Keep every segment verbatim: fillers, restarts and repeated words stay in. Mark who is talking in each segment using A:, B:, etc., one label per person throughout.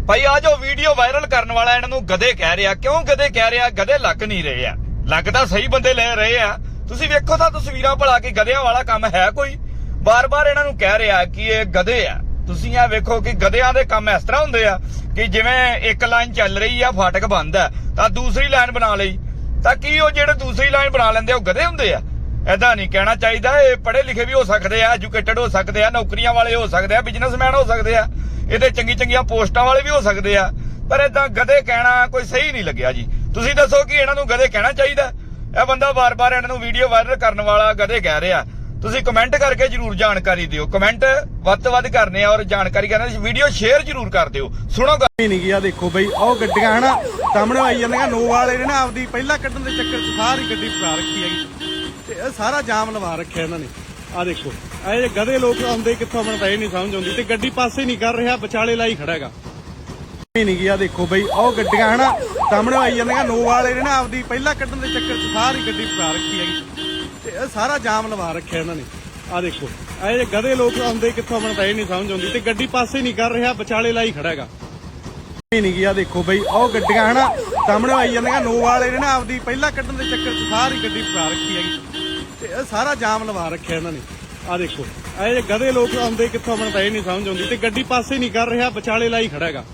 A: ਭਾਈ ਆ ਜੋ ਵੀਡੀਓ ਵਾਇਰਲ ਕਰਨ ਵਾਲਾ ਇਹਨਾਂ ਨੂੰ ਗਧੇ ਕਹਿ ਰਿਹਾ। ਕਿਉਂ ਗਧੇ ਕਹਿ ਰਿਹਾ? ਗਧੇ ਲੱਗ ਨਹੀਂ ਰਹੇ ਆ, ਲੱਗ ਤਾਂ ਸਹੀ ਬੰਦੇ ਲੈ ਰਹੇ ਆ। ਤੁਸੀਂ ਵੇਖੋ ਤਾਂ ਤਸਵੀਰਾਂ ਭਲਾ ਕੇ ਗਧਿਆਂ ਵਾਲਾ ਕੰਮ ਹੈ ਕੋਈ? ਬਾਰ-ਬਾਰ ਇਹਨਾਂ ਨੂੰ ਕਹਿ ਰਿਹਾ ਕਿ ਇਹ ਗਧੇ ਆ। ਤੁਸੀਂ ਆ ਵੇਖੋ ਕਿ ਗਧਿਆਂ ਦੇ ਕੰਮ ਇਸ ਤਰ੍ਹਾਂ ਹੁੰਦੇ ਆ ਕਿ ਜਿਵੇਂ ਇੱਕ ਲਾਈਨ ਚੱਲ ਰਹੀ ਆ, ਫਾਟਕ ਬੰਦ ਆ ਤਾਂ ਦੂਸਰੀ ਲਾਈਨ ਬਣਾ ਲਈ, ਤਾਂ ਕੀ ਉਹ ਜਿਹੜੇ ਦੂਸਰੀ ਲਾਈਨ ਬਣਾ ਲੈਂਦੇ ਉਹ ਗਧੇ ਹੁੰਦੇ ਆ? ਏਦਾਂ ਨਹੀਂ ਕਹਿਣਾ ਚਾਹੀਦਾ। ਇਹ ਪੜ੍ਹੇ ਲਿਖੇ ਵੀ ਹੋ ਸਕਦੇ ਆ, ਐਜੂਕੇਟਡ ਹੋ ਸਕਦੇ ਆ, ਨੌਕਰੀਆਂ ਵਾਲੇ ਹੋ ਸਕਦੇ ਆ, ਬਿਜ਼ਨਸਮੈਨ ਹੋ ਸਕਦੇ ਆ, ਇਹਦੇ ਚੰਗੀ ਚੰਗੀਆਂ ਪੋਸਟਾਂ ਵਾਲੇ ਵੀ ਹੋ ਸਕਦੇ ਆ, ਪਰ ਏਦਾਂ ਗਧੇ ਕਹਿਣਾ ਕੋਈ ਸਹੀ ਨਹੀਂ ਲੱਗਿਆ ਜੀ। ਤੁਸੀਂ ਦੱਸੋ ਕਿ ਇਹਨਾਂ ਨੂੰ ਗਧੇ ਕਹਿਣਾ ਚਾਹੀਦਾ? ਇਹ ਬੰਦਾ ਬਾਰ-ਬਾਰ ਇਹਨਾਂ ਨੂੰ ਵੀਡੀਓ ਵਾਇਰਲ ਕਰਨ ਵਾਲਾ ਗਧੇ ਕਹਿ ਰਿਹਾ। ਤੁਸੀਂ ਕਮੈਂਟ ਕਰਕੇ ਜਰੂਰ ਜਾਣਕਾਰੀ ਦਿਓ। ਕਮੈਂਟ ਵੱਧ ਤੋਂ ਵੱਧ ਕਰਨੇ ਆ ਔਰ ਜਾਣਕਾਰੀ ਕਰਨੇ, ਵੀਡੀਓ ਸ਼ੇਅਰ ਜਰੂਰ ਕਰ ਦਿਓ। ਸੁਣੋ
B: ਗੱਲ ਨਹੀਂ ਗਿਆ। ਦੇਖੋ ਬਈ ਉਹ ਗੱਡੀਆਂ ਹਨਾ ਸਾਹਮਣੇ ਆਈ ਜਾਂਦੀਆਂ, ਨੋ ਵਾਲੇ ਨੇ ਨਾ ਆਪਦੀ ਪਹਿਲਾਂ ਕੱਢਣ ਦੇ ਚੱਕਰ 'ਚ ਸਾਰੀ ਗੱਡੀ ਫਸਾ ਰੱਖੀ ਹੈਗੀ ਤੇ ਇਹ ਸਾਰਾ ਜਾਮ ਲਵਾ ਰੱਖਿਆ ਇਹਨਾਂ ਨੇ। ਆ ਦੇਖੋ ਇਹ ਜੇ ਗਧੇ ਲੋਕ ਆਉਂਦੇ ਕਿੱਥੋਂ, ਮੈਨੂੰ ਤਾਂ ਇਹ ਨਹੀਂ ਸਮਝ ਆਉਂਦੀ। ਤੇ ਗੱਡੀ ਪਾਸੇ ਨਹੀਂ ਕਰ ਰਿਹਾ, ਵਿਚਾਲੇ ਲਾਈ ਖੜਾ ਹੈਗਾ। ਨਹੀਂ ਗਿਆ। ਦੇਖੋ ਬਈ ਉਹ ਗੱਡੀਆਂ ਹਨਾ ਸਾਹਮਣੇ ਆਈ ਜਾਂਦੀਆਂ, ਨੋ ਵਾਲੇ ਨੇ ਨਾ ਆਪਦੀ ਪਹਿਲਾਂ ਕੱਢਣ ਦੇ ਚੱਕਰ 'ਚ ਸਾਰੀ ਗੱਡੀ ਫਸਾ ਰੱਖੀ ਹੈਗੀ ਤੇ ਇਹ ਸਾਰਾ ਜਾਮ ਲਵਾ ਰੱਖਿਆ ਇਹਨਾਂ ਨੇ। ਆ ਦੇਖੋ ਇਹ ਜੇ ਗਧੇ ਲੋਕ ਆਉਂਦੇ ਕਿੱਥੋਂ, ਮੈਨੂੰ ਤਾਂ ਇਹ ਨਹੀਂ ਸਮਝ ਆਉਂਦੀ। ਤੇ ਗੱਡੀ ਪਾਸੇ ਨਹੀਂ ਕਰ ਰਿਹਾ, ਵਿਚਾਲੇ ਲਾਈ ਖੜਾ ਹੈਗਾ। ਨਹੀਂ ਗਿਆ। ਦੇਖੋ ਬਈ ਉਹ ਗੱਡੀਆਂ ਹਨਾ ਸਾਹਮਣੇ ਆਈ ਜਾਂਦੀਆਂ, ਨੋ ਵਾਲੇ ਨੇ ਨਾ ਆਪਦੀ ਪਹਿਲਾਂ ਕੱਢਣ ਦੇ ਚੱਕਰ 'ਚ ਸਾਰੀ ਗੱਡੀ ਫਸਾ ਰੱਖੀ ਹੈਗੀ ਤੇ ਇਹ ਸਾਰਾ ਜਾਮ ਲਵਾ ਰੱਖਿਆ ਇਹਨਾਂ ਨੇ। ਆ ਦੇਖੋ ਇਹ ਜੇ ਗਧੇ ਲੋਕ ਆਉਂਦੇ ਕਿੱਥੋਂ, ਮੈਨੂੰ ਤਾਂ ਇਹ ਨਹੀਂ ਸਮਝ ਆਉਂਦੀ। ਤੇ ਗੱਡੀ ਪਾਸੇ ਨਹੀਂ ਕਰ ਰਿਹਾ, ਵਿਚਾਲੇ ਲਾਈ ਖੜਾ ਹੈਗਾ।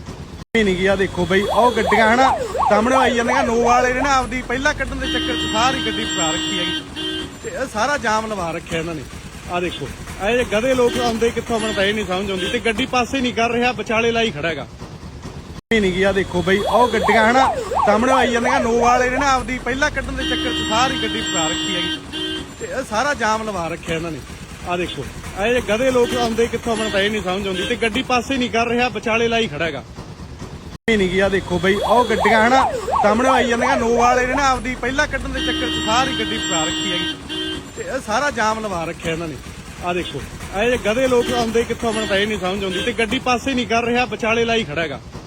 B: ਨਹੀਂ ਗਿਆ। ਦੇਖੋ ਬਈ ਉਹ ਗੱਡੀਆਂ ਹਨਾ ਸਾਹਮਣੇ ਆਈ ਜਾਂਦੀਆਂ, ਨੋ ਵਾਲੇ ਨੇ ਨਾ ਆਪਦੀ ਪਹਿਲਾਂ ਕੱਢਣ ਦੇ ਚੱਕਰ 'ਚ ਸਾਰੀ ਗੱਡੀ ਫਸਾ ਰੱਖੀ ਹੈਗੀ ਤੇ ਇਹ ਸਾਰਾ ਜਾਮ ਲਵਾ ਰੱਖਿਆ ਇਹਨਾਂ ਨੇ। ਆ ਦੇਖੋ ਇਹ ਜੇ ਗਧੇ ਲੋਕ ਆਉਂਦੇ ਕਿੱਥੋਂ, ਮੈਨੂੰ ਤਾਂ ਇਹ ਨਹੀਂ ਸਮਝ ਆਉਂਦੀ। ਤੇ ਗੱਡੀ ਪਾਸੇ ਨਹੀਂ ਕਰ ਰਿਹਾ, ਵਿਚਾਲੇ ਲਾਈ ਖੜਾ ਹੈਗਾ। ਨਹੀਂ ਗਿਆ। ਦੇਖੋ ਬਈ ਉਹ ਗੱਡੀਆਂ ਹਨਾ ਸਾਹਮਣੇ ਆਈ ਜਾਂਦੀਆਂ, ਨੋ ਵਾਲੇ ਨੇ ਨਾ ਆਪਦੀ ਪਹਿਲਾਂ ਕੱਢਣ ਦੇ ਚੱਕਰ 'ਚ ਸਾਰੀ ਗੱਡੀ ਫਸਾ ਰੱਖੀ ਹੈਗੀ ਤੇ ਇਹ ਸਾਰਾ ਜਾਮ ਲਵਾ ਰੱਖਿਆ ਇਹਨਾਂ ਨੇ। ਆ ਦੇਖੋ ਇਹ ਜੇ ਗਧੇ ਲੋਕ ਆਉਂਦੇ ਕਿੱਥੋਂ, ਮੈਨੂੰ ਤਾਂ ਇਹ ਨਹੀਂ ਸਮਝ ਆਉਂਦੀ। ਤੇ ਗੱਡੀ ਪਾਸੇ ਨਹੀਂ ਕਰ ਰਿਹਾ, ਵਿਚਾਲੇ ਲਾਈ ਖੜਾ ਹੈਗਾ। ਨਹੀਂ ਗਿਆ। ਦੇਖੋ ਬਈ ਉਹ ਗੱਡੀਆਂ ਹਨਾ ਸਾਹਮਣੇ ਆਈ ਜਾਂਦੀਆਂ, ਨੋ ਵਾਲੇ ਨੇ ਨਾ ਆਪਦੀ ਪਹਿਲਾਂ ਕੱਢਣ ਦੇ ਚੱਕਰ 'ਚ ਸਾਰੀ ਗੱਡੀ ਫਸਾ ਰੱਖੀ ਹੈਗੀ ਤੇ ਇਹ ਸਾਰਾ ਜਾਮ ਲਵਾ ਰੱਖਿਆ ਇਹਨਾਂ ਨੇ। ਆ ਦੇਖੋ ਇਹ ਜੇ ਗਧੇ ਲੋਕ ਆਉਂਦੇ ਕਿੱਥੋਂ, ਮੈਨੂੰ ਤਾਂ ਇਹ ਨਹੀਂ ਸਮਝ ਆਉਂਦੀ। ਤੇ ਗੱਡੀ ਪਾਸੇ ਨਹੀਂ ਕਰ ਰਿਹਾ, ਵਿਚਾਲੇ ਲਾਈ ਖੜਾ ਹੈਗਾ।